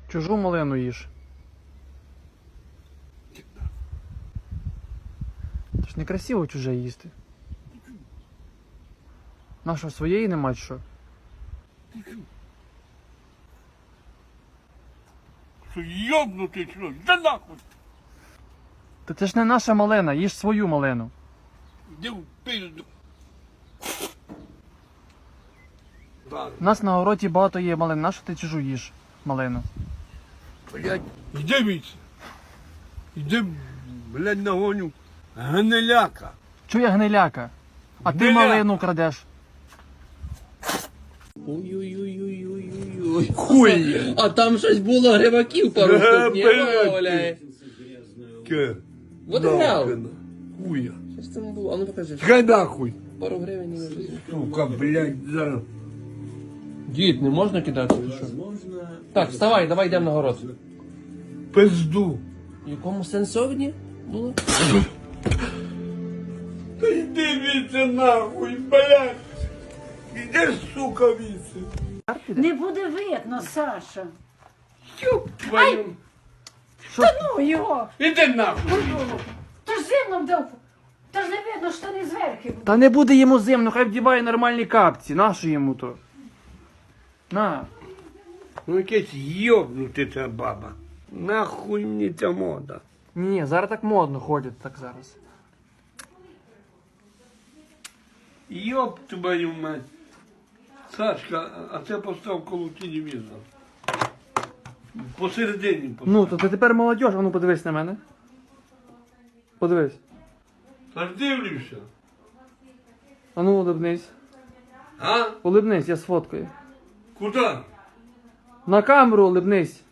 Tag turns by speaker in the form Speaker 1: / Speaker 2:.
Speaker 1: Чужу малину їж. Це ж некрасиво чуже їсти. Наша своєї нема чи що?
Speaker 2: Що йобнутий що? Да нахуй!
Speaker 1: Та це ж не наша малина, їж свою малину.
Speaker 2: Іди в пизду. Да,
Speaker 1: У нас на городі багато є малин, нащо ти чужу їж малину?
Speaker 2: блядь, іди віце. Іди, блядь, нагоню гниляка.
Speaker 1: Чує гниляка? А ти
Speaker 2: Гниляка.
Speaker 1: малину крадеш.
Speaker 3: Ой-ой-ой-ой-ой-ой.
Speaker 2: Хуй!
Speaker 3: А там щось було гриваків пару штук, ні?
Speaker 2: блядь.
Speaker 3: Валяє.
Speaker 2: Ке?
Speaker 3: Вот і грав.
Speaker 2: Хуя.
Speaker 3: Що ж це не було? А ну покажи.
Speaker 2: Хай нахуй.
Speaker 3: Пару гривень і вже.
Speaker 2: Сука, блядь, зараз.
Speaker 3: Дід, не можна кидати? Що? Так, вставай, давай йдемо на город.
Speaker 2: Пизду.
Speaker 3: В якому сенсовні було?
Speaker 2: Та йди віце нахуй, блядь. Іди, сука, віце.
Speaker 4: Не буде видно, Саша.
Speaker 2: Ёб твою.
Speaker 4: Та ну його!
Speaker 2: Іди нахуй.
Speaker 4: Та ж зимно вдав. Та ж не видно, що не зверху.
Speaker 1: Та не буде йому зимно, хай вдіває нормальні капці. Нащо йому то? На.
Speaker 2: Ну якесь йобнути ця баба. Нахуй мені ця мода.
Speaker 1: Ні, зараз так модно ходять так зараз.
Speaker 2: Йоб твою мать. Сашка, а це постав коло телевізора. Посередині постав.
Speaker 1: Ну, то ти тепер молодь, а ну подивись на мене. Подивись.
Speaker 2: Та ж дивлюся.
Speaker 1: А ну улибнись.
Speaker 2: А?
Speaker 1: Улибнись, я сфоткаю.
Speaker 2: Куди?
Speaker 1: На камеру улибнись.